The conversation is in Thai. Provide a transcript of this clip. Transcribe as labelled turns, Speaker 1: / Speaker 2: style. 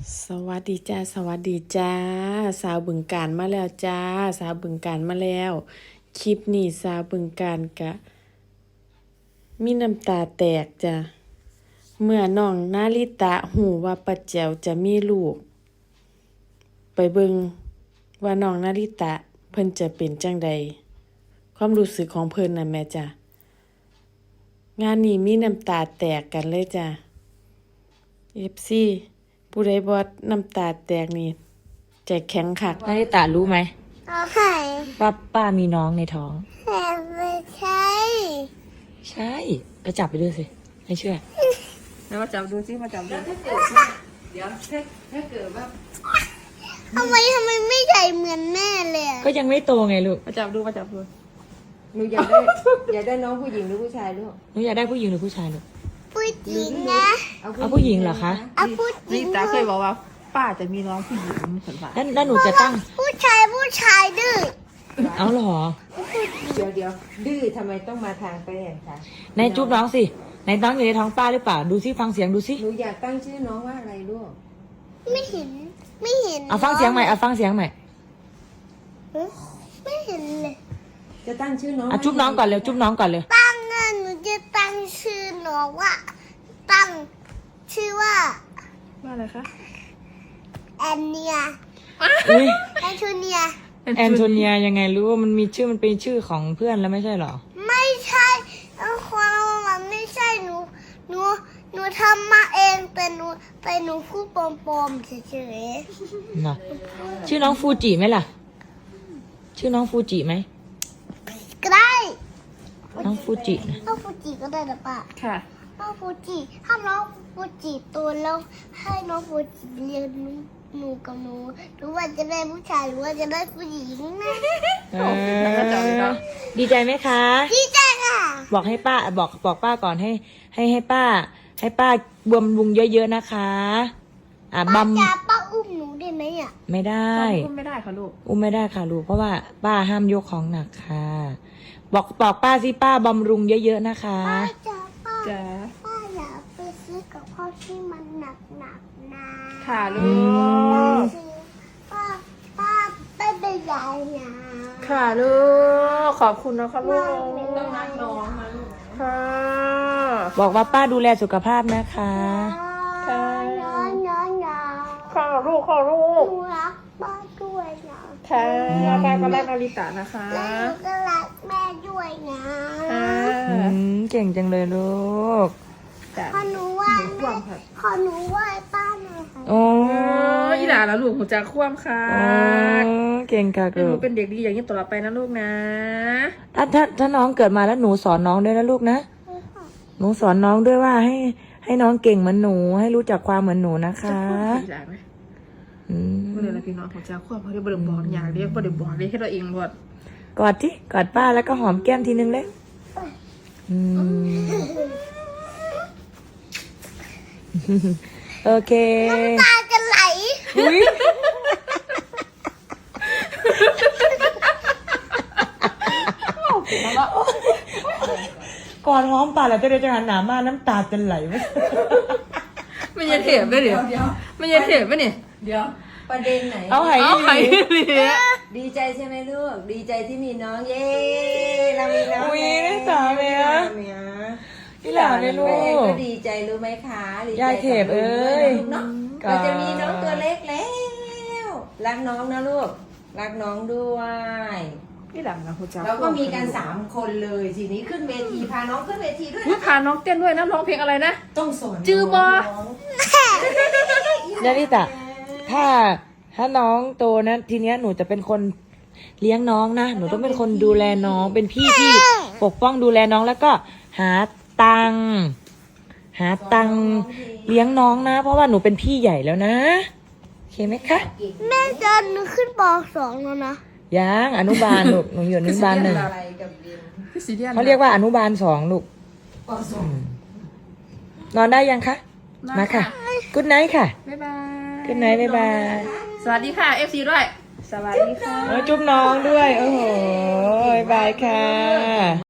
Speaker 1: สวัสดีจ้าสวัสดีจ้าสาวบึงกาฬมาแล้วจ้าสาวบึงกาฬมาแล้วคลิปนี้สาวบึงกาฬกะมีน้ำตาแตกจ้ะเมื่อน้องนาริตะหูว่าป้าแจ๋วจะมีลูกไปเบิ่งว่าน้องนาริตะเพิ่นจะเป็นจังใดความรู้สึกของเพิ่นน่ะแม่จ้ะงานนี้มีน้ำตาแตกกันเลยจ้ะ FC ผู้ใดบ่น้ำตาแตกนี่ใจแข็งคัก
Speaker 2: นาริตะรู้ไหม
Speaker 3: เอาไข่
Speaker 2: ว่าป้ามีน้องในท้อง
Speaker 3: แต่ไม่ใช่
Speaker 2: ใช่ไปจับไปดูสิไม่เชื่อ
Speaker 1: แล้วมาจับดูสิมาจับดู
Speaker 3: ทำไมไม่ใหญ่เหมือนแม่เลยอะ
Speaker 2: ก็ยังไม่โตไงลูก
Speaker 1: มาจับดูมาจับดู
Speaker 4: หนูอยากได้น้องผู้หญิงหรือผู้ชายลูก
Speaker 2: หนูอยากได้ผู้หญิงหรือผู้ชายลูก
Speaker 3: ผู้หญิงนะ
Speaker 2: เอาผู้หญิงเหรอคะ
Speaker 3: เอาผู้หญิ
Speaker 1: นี่
Speaker 3: ง
Speaker 1: ตาเคยบอกว่าป้าจะมีน้องผู้หญิงสันว่า
Speaker 2: แล้วหนูจะตั้ง
Speaker 3: ผู้ชายดื้อ
Speaker 2: เอาเหรอ
Speaker 4: เดี๋ยวดื้อทำไมต้องมาทางไปเห็นคะ
Speaker 2: ในจุ๊บน้องสิในน้องอยู่ในท้องป้าหรือเปล่าดูสิฟังเสียงดูสิ
Speaker 4: หนูอยากตั้งชื่อน้องว่าอะไรลูก
Speaker 3: ไม่เห็น
Speaker 2: เอาฟังเสียงใหม่เอาฟังเสียงใหม่
Speaker 3: ไม่เห็นเลย
Speaker 4: จะตั้งชื่อน้อง
Speaker 2: อ่ะจุ๊บน้องก่อนเร็วจุ๊บน้องก่อนเร็ว
Speaker 3: ตั้งเงินหนูจะตั้งชื่อน้องว่าตั้งชื่อว่า
Speaker 1: ว่าอะไรคะ
Speaker 3: แอนเนีย
Speaker 2: อุ้ย
Speaker 3: แอนโทเนีย
Speaker 2: แอนโทเนียยังไงรู้ว่ามันมีชื่อมันเป็นชื่อของเพื่อนแล้วไม่ใช่เหรอ
Speaker 3: ไม่ใช่ความมันไม่ใช่หนูทำมาเองแต่หนูพูดปลอมๆเฉย
Speaker 2: เนาะชื่อน้องฟูจิไหมล่ะ ชื่อน้องฟูจิไหม
Speaker 3: ๆก็ได้
Speaker 2: น้องฟูจินะ
Speaker 3: น้องฟูจิก็ได้นะป้า
Speaker 1: ค่ะ
Speaker 3: น้องฟูจิถ้าน้องฟูจิโตแล้วให้น้องฟูจิเรียนหนูกับหนูหรือว่าจะได้ผู้ชายหรือว่าจะได้ผู้หญิงนะ
Speaker 2: เออดีใจไหมคะ
Speaker 3: พี่แจ้งค่ะ
Speaker 2: บอกให้ป้าบอกป้าก่อนให้ป้าบำรุงเยอะๆนะคะ
Speaker 3: ป้า ป้าอุ้มหนูได้ไหมอ่ะ
Speaker 2: ไม่ได้
Speaker 1: พูดไม่ได้ค่ะลูก
Speaker 2: อุ้มไม่ได้ค่ะลูกเพราะว่าป้าห้ามยกของหนักค่ะ บอกป้าสิป้าบำรุงเยอะๆนะคะ
Speaker 3: ป้าจ๋าป้า
Speaker 1: จ้า
Speaker 3: ป้าอยากไปซื้อกับข้าวที่มันหนักนะ
Speaker 1: ค่ะลู
Speaker 2: อืม
Speaker 1: ก
Speaker 3: ป้าไม่เป็นไรนะ
Speaker 1: ค่ะลูกขอบคุณนะคะลูก
Speaker 4: ต้องรักน้องนะลูก
Speaker 1: ค่ะ
Speaker 2: บอกว่าป้าดูแลสุขภาพนะคะ
Speaker 3: น้อง
Speaker 1: ค่ะลูกค่ะลูก
Speaker 3: หนูรักป้าด้วยนะ
Speaker 1: ค่ะป้าก็รักนาริตะนะคะ
Speaker 3: และหนูก็รักแม่ด้วยนะ
Speaker 1: ค่ะ
Speaker 2: เก่งจังเลยลูก
Speaker 1: จ้ะ
Speaker 3: ขอหนูไหว้แม่ขอหนูไหว้ป้าหน่อยค่ะ
Speaker 2: โอ้
Speaker 1: โอ้ยอีหลาแล้วลูกหัวใจคว่ำค่ะ
Speaker 2: เก่งค่ะ
Speaker 1: ให้ห
Speaker 2: ลู
Speaker 1: นู
Speaker 2: ก
Speaker 1: เป็นเด็กดีอย่างนี้ตลอดไปนะลูกนะ
Speaker 2: ถ้าน้องเกิดมาแล้วหนูสอนน้องด้วยนะลูกนะ หนูสอนน้องด้วยว่าให้น้องเก่งเหมือนหนู ให้รู้จักความเหมือนหนูนะคะ
Speaker 1: อีหลาไหม
Speaker 2: อืม
Speaker 1: เมื่อไรพี่น้องหัวใจคว่ำเขาได้บริบอกอย่างเรียกบริบอกเรียกให้เราเองหมด
Speaker 2: กอดที่กอดป้าแล้วก็หอมแก้มทีนึงเลยอืม โอเค
Speaker 3: ตาจะไหล
Speaker 2: อุ๊ยก่อนหอมป่าแล้วจะได้จะหันหนามาน้ำตาจะไหลไหม
Speaker 1: ไม่ยันเถียบไหมเนี่ยไม่ยันเถียบไหมเนี่ย
Speaker 4: เดี๋ยวประเด็นไหน
Speaker 2: เอาไห
Speaker 1: เอาไป
Speaker 2: เนี่ย
Speaker 4: ดีใจใช่ไหมลูกดีใจที่มีน้องเย้เรามีน้อง
Speaker 2: อุ๊ยได้ตาไหมอะ
Speaker 4: เมีย
Speaker 2: พี่หลานเลยลู
Speaker 4: แม่เอง
Speaker 2: ก
Speaker 4: ก็ดีใจรู้ไหมคะดีใจ
Speaker 2: ยายเทพเอ้ย
Speaker 4: กับลูกเนาะเราจะมีน้องตัวเล็กแล้วรักน้องนะลูกรักน้องด้วย
Speaker 1: พี่หลังนะหัวใจ
Speaker 4: เราก็มีกัน3 คนเลยทีนี้ขึ้นเวทีพาน้องขึ้นเวทีด้วย
Speaker 1: พาน้องเต้นด้วยนะร้องเพลงอะไรนะ
Speaker 4: ต้องสอน
Speaker 1: จือบอ
Speaker 4: น้ง
Speaker 2: นาริตะถ้าน้องโตนะทีเนี้ยหนูจะเป็นคนเลี้ยงน้องนะหนูต้องเป็นคนดูแลน้องเป็นพี่ที่ปกป้องดูแลน้องแล้วก็หาตังค์เลี้ยงน้องนะ เพราะว่าหนูเป็นพี่ใหญ่แล้วนะโอเคไหมคะ
Speaker 3: แม่จะหนูขึ้นป .2 แล้วนะ
Speaker 2: ยังอนุบาลลูกหนูอยู่อนุบาล 1
Speaker 4: อะไรกับเรียน
Speaker 1: พี่สีเดียน
Speaker 2: เขาเรียกว่าอนุบาล 2ลูก
Speaker 4: ปสอง
Speaker 2: นอนได้ยังคะมาค่ะกุ๊ดไนท์ค่ะ
Speaker 1: บ๊ายบาย
Speaker 2: กุ๊ดไนท์บ๊ายบาย
Speaker 1: สวัสดีค่ะ FC ด้วย สวัสดีค่ะ
Speaker 2: จุ๊บน้องด้วยโอ้โหบ๊ายบายค่ะ